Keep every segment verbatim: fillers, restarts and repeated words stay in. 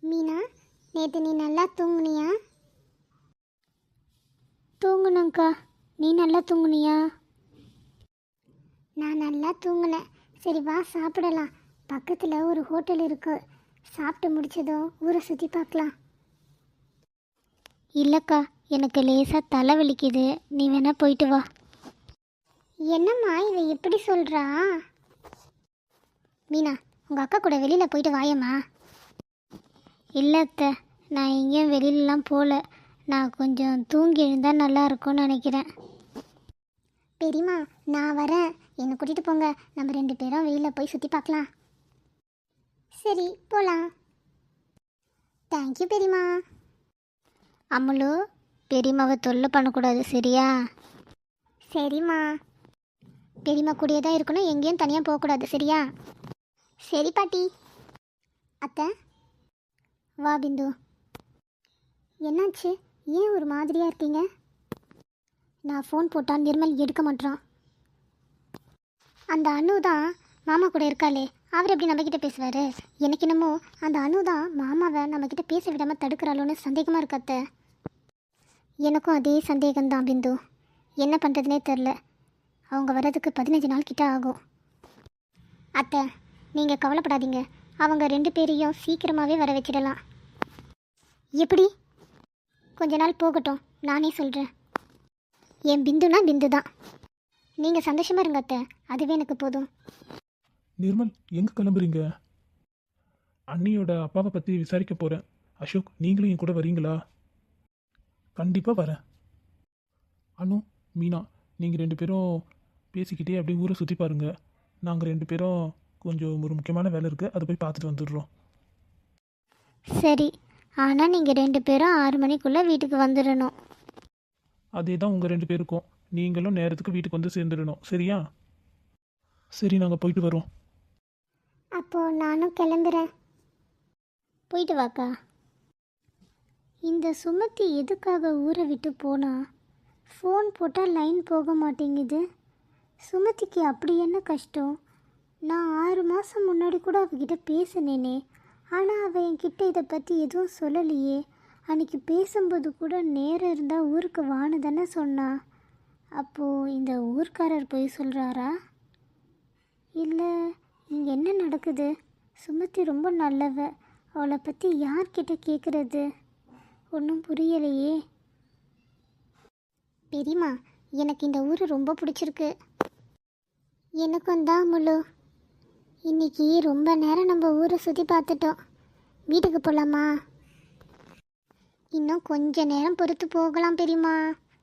மீனா, நேற்று நீ நல்லா தூங்குனியா? தூங்குனங்க்கா. நீ நல்லா தூங்குனியா? நான் நல்லா தூங்குனேன். சரி வா சாப்பிடலாம். பக்கத்தில் ஒரு ஹோட்டல் இருக்கு. சாப்பிட்டு முடிச்சதும் ஊரை சுற்றி பார்க்கலாம். இல்லைக்கா, எனக்கு லேசாக தலை வலிக்குது. நீ வேணா போயிட்டு வா. என்னம்மா இதை எப்படி சொல்கிறா? மீனா, உங்கள் அக்கா கூட வெளியில் போயிட்டு வாயம்மா. இல்லை அத்தை, நான் எங்கேயும் வெளியிலலாம் போகல. நான் கொஞ்சம் தூங்கி எழுந்தால் நல்லா இருக்கும்னு நினைக்கிறேன். பெரியம்மா, நான் வரேன். என்னை கூட்டிகிட்டு போங்க. நம்ம ரெண்டு பேரும் வெளியில் போய் சுற்றி பார்க்கலாம். சரி போகலாம். தேங்க்யூ பெரியம்மா. அம்மலு, பெரியம்மாவை தொல்லை பண்ணக்கூடாது சரியா? சரிம்மா. பெரியம்மா கூடயே தான் இருக்கணும், எங்கேயும் தனியாக போகக்கூடாது சரியா? சரி பாட்டி. அத்தை வா. பிந்து, என்னாச்சு? ஏன் ஒரு மாதிரியாக இருக்கீங்க? நான் ஃபோன் போட்டால் நிர்மல் எடுக்க மாட்டான். அந்த அனு தான் மாமா கூட இருக்காளே, அவர் எப்படி நம்மக்கிட்ட பேசுவார்? எனக்கு என்னமோ அந்த அனு தான் மாமாவை நம்மக்கிட்ட பேச விடாமல் தடுக்கிறாளோன்னு சந்தேகமாக இருக்கு அத்தை. எனக்கும் அதே சந்தேகம்தான் பிந்து. என்ன பண்ணுறதுனே தெரில. அவங்க வர்றதுக்கு பதினஞ்சு நாள் கிட்ட ஆகும். அத்தை, நீங்கள் கவலைப்படாதீங்க. அவங்க ரெண்டு பேரையும் சீக்கிரமாகவே வர வச்சிடலாம். எப்படி? கொஞ்ச நாள் போகட்டும், நானே சொல்கிறேன். என் பிந்துனா பிந்து தான். நீங்கள் சந்தோஷமாக இருங்க அத்தை, அதுவே எனக்கு போதும். நிர்மல், எங்கே கிளம்புறீங்க? அண்ணியோட அப்பாவை பற்றி விசாரிக்க போகிறேன். அசோக், நீங்களும் என் கூட வரீங்களா? கண்டிப்பாக வரேன். அனு, மீனா, நீங்கள் ரெண்டு பேரும் பேசிக்கிட்டே அப்படியே ஊரை சுற்றி பாருங்கள். நாங்கள் ரெண்டு பேரும் கொஞ்சம் ஒரு முக்கியமான வேலை இருக்குது, அதை போய் பார்த்துட்டு வந்துடுறோம். சரி, ஆனால் நீங்கள் ரெண்டு பேரும் ஆறு மணிக்குள்ளே வீட்டுக்கு வந்துடணும். அதே தான் உங்கள் ரெண்டு பேருக்கும். நீங்களும் நேரத்துக்கு வீட்டுக்கு வந்து சேர்ந்துடணும் சரியா? சரி, நாங்கள் போயிட்டு வரோம். அப்போது நானும் கிளம்புறேன். போயிட்டு வாக்கா. இந்த சுமத்தி எதுக்காக ஊரை விட்டு போனா? ஃபோன் போட்டால் லைன் போக மாட்டேங்குது. சுமதிக்கு அப்படி என்ன கஷ்டம்? நான் ஆறு மாதம் முன்னாடி கூட அவகிட்ட பேசினேனே, ஆனால் அவள் என்கிட்ட இதை பற்றி எதுவும் சொல்லலையே. அன்றைக்கி பேசும்போது கூட நேரம் இருந்தால் ஊருக்கு வான்னு தானே சொன்னா. அப்போது இந்த ஊர்க்காரர் போய் சொல்கிறாரா? இல்லை, இங்கே என்ன நடக்குது? சுமதி ரொம்ப நல்லவ. அவளை பற்றி யார்கிட்ட கேட்குறது? ஒன்றும் புரியலையே. பெரியம்மா, எனக்கு இந்த ஊர் ரொம்ப பிடிச்சிருக்கு. எனக்கும் தான் முழு. இன்னைக்கு ரொம்ப நேரம் நம்ம ஊரை சுற்றி பார்த்துட்டோம். வீட்டுக்கு போகலாமா? இன்னும் கொஞ்ச நேரம் பொறுத்து போகலாம் பெரியம்மா.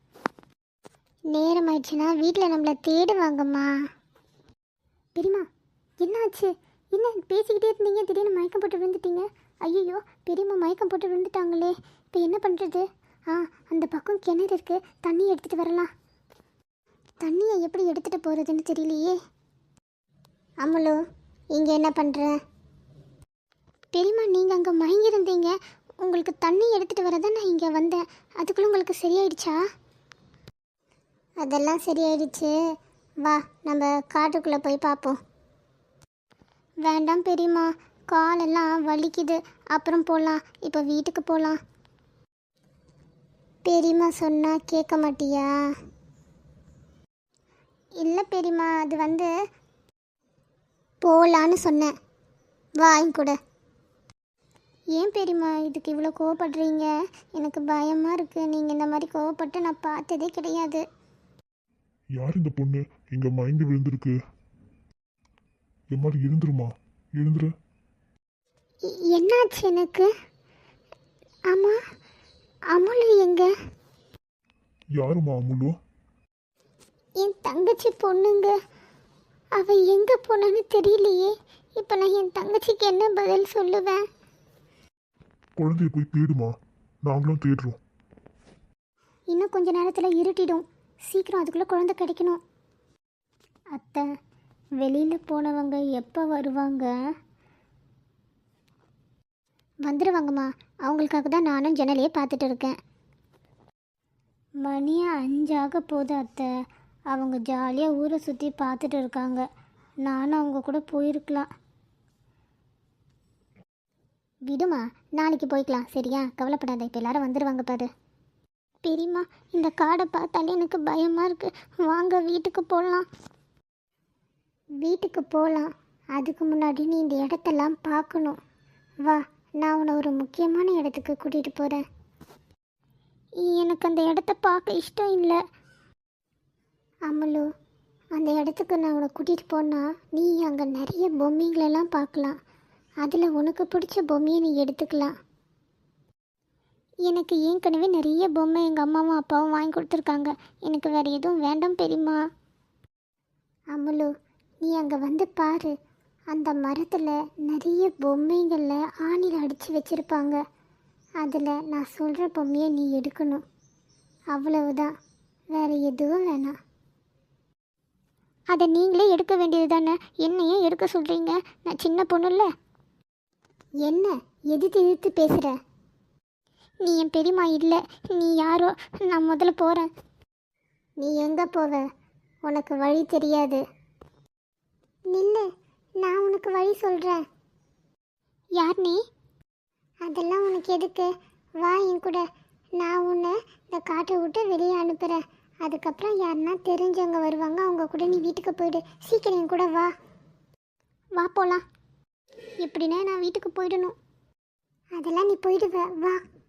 நேரம் ஆயிடுச்சுன்னா வீட்டில் நம்மளை தேடுவாங்கம்மா. பெரியம்மா, என்னாச்சு? என்ன பேசிக்கிட்டே இருந்தீங்க, திடீர்னு மயக்கம் போட்டு விழுந்துட்டீங்க? ஐயோ, பெரியம்மா மயக்கம் போட்டு விழுந்துட்டாங்களே, இப்போ என்ன பண்ணுறது? ஆ, அந்த பக்கம் கிணறு இருக்குது, தண்ணி எடுத்துகிட்டு வரலாம். தண்ணியை எப்படி எடுத்துகிட்டு போகிறதுன்னு தெரியலையே. அம்மலு, இங்கே என்ன பண்ணுற? பெரியம்மா, நீங்கள் அங்கே மயங்கிருந்தீங்க. உங்களுக்கு தண்ணி எடுத்துகிட்டு வரதான் நான் இங்கே வந்தேன். அதுக்குள்ளே உங்களுக்கு சரியாயிடுச்சா? அதெல்லாம் சரியாயிடுச்சு. வா, நம்ம காட்டுக்குள்ளே போய் பார்ப்போம். வேண்டாம் பெரியம்மா, காலெல்லாம் வலிக்குது. அப்புறம் போகலாம், இப்போ வீட்டுக்கு போகலாம். பெரியம்மா சொன்னால் கேட்க மாட்டியா? இல்லை பெரியம்மா, அது வந்து போகலான்னு சொன்னேன். வாங்க கூட. ஏன் பெரியம்மா இதுக்கு இவ்வளோ கோவப்படுறீங்க? எனக்கு பயமாக இருக்குது. நீங்கள் இந்த மாதிரி கோவப்பட்டு நான் பார்த்ததே கிடையாது. யார் இந்த பொண்ணு இங்க மயங்கி விழுந்திருக்கு? எம்மாடி, எழுந்துருமா, எழுந்துரு. என்னாச்சு எனக்கு? ஆமா, அமுலு எங்க? யாருமா அமுலு? என் தங்கச்சி பொண்ணுங்க. அவ எங்க போனான்னு தெரியலையே. இப்போ நான் என் தங்கச்சிக்கு என்ன பதில் சொல்லுவேன்? குழந்தைய போய் தேடுமா, நாங்களும் தேடுறோம். இன்னும் கொஞ்ச நேரத்தில் இருட்டிடும். சீக்கிரம் அதுக்குள்ளே குழந்தை கிடைக்கணும். அத்தை, வெளியில் போனவங்க எப்போ வருவாங்க? வந்துடுவாங்கம்மா. அவங்களுக்காக தான் நானும் ஜன்னலையே பார்த்துட்டு இருக்கேன். மணியை அஞ்சாக போகுது அத்தை. அவங்க ஜாலியாக ஊரை சுற்றி பார்த்துட்டு இருக்காங்க. நானும் அவங்க கூட போயிருக்கலாம். விடுமா, நாளைக்கு போய்க்கலாம் சரியா? கவலைப்படாத, இப்போ எல்லாரும் வந்துடுவாங்க பாரு. பெரியம்மா, இந்த காடை பார்த்தாலே எனக்கு பயமாக இருக்குது. வாங்க வீட்டுக்கு போகலாம். வீட்டுக்கு போகலாம். அதுக்கு முன்னாடி நீ இந்த இடத்தெல்லாம் பார்க்கணும். வா, நான் உன்னை ஒரு முக்கியமான இடத்துக்கு கூட்டிகிட்டு போகிறேன். எனக்கு அந்த இடத்த பார்க்க இஷ்டம் இல்லை. அம்மலு, அந்த இடத்துக்கு நான் உன்னை கூட்டிகிட்டு போனால் நீ அங்கே நிறைய பொம்மைங்களெல்லாம் பார்க்கலாம். அதில் உனக்கு பிடிச்ச பொம்மையை நீ எடுத்துக்கலாம். எனக்கு ஏற்கனவே நிறைய பொம்மை எங்கள் அம்மாவும் அப்பாவும் வாங்கி கொடுத்துருக்காங்க. எனக்கு வேறு எதுவும் வேண்டாம் பெரியம்மா. அம்மலு, நீ அங்கே வந்து பாரு. அந்த மரத்தில் நிறைய பொம்மைங்களில் ஆணியில் அடித்து வச்சுருப்பாங்க. அதில் நான் சொல்கிற பொம்மையை நீ எடுக்கணும். அவ்வளவுதான், வேறு எதுவும் வேணாம். அதை நீங்களே எடுக்க வேண்டியது தானே, என்னையே எடுக்க சொல்கிறீங்க? நான் சின்ன பொண்ணு இல்லை. என்ன எதிர்த்து எதிர்த்து பேசுகிற? நீ என் பெரியம்மா இல்லை, நீ யாரோ. நான் முதல்ல போகிறேன். நீ எங்கே போவ? உனக்கு வழி தெரியாது. நில்லு, நான் உனக்கு வழி சொல்கிறேன். யார் நீ? அதெல்லாம் உனக்கு எதுக்கு? வா என் கூட. நான் உன்னை இந்த காட்டை விட்டு வெளியே அனுப்புகிறேன். அதுக்கப்புறம் யாருன்னா தெரிஞ்சவங்க வருவாங்க, அவங்க கூட நீ வீட்டுக்கு போயிடு. சீக்கிரம் என் கூட வா. வா போகலாம். எப்படின்னா நான் வீட்டுக்கு போயிடணும். அதெல்லாம் நீ போயிடுவ, வா.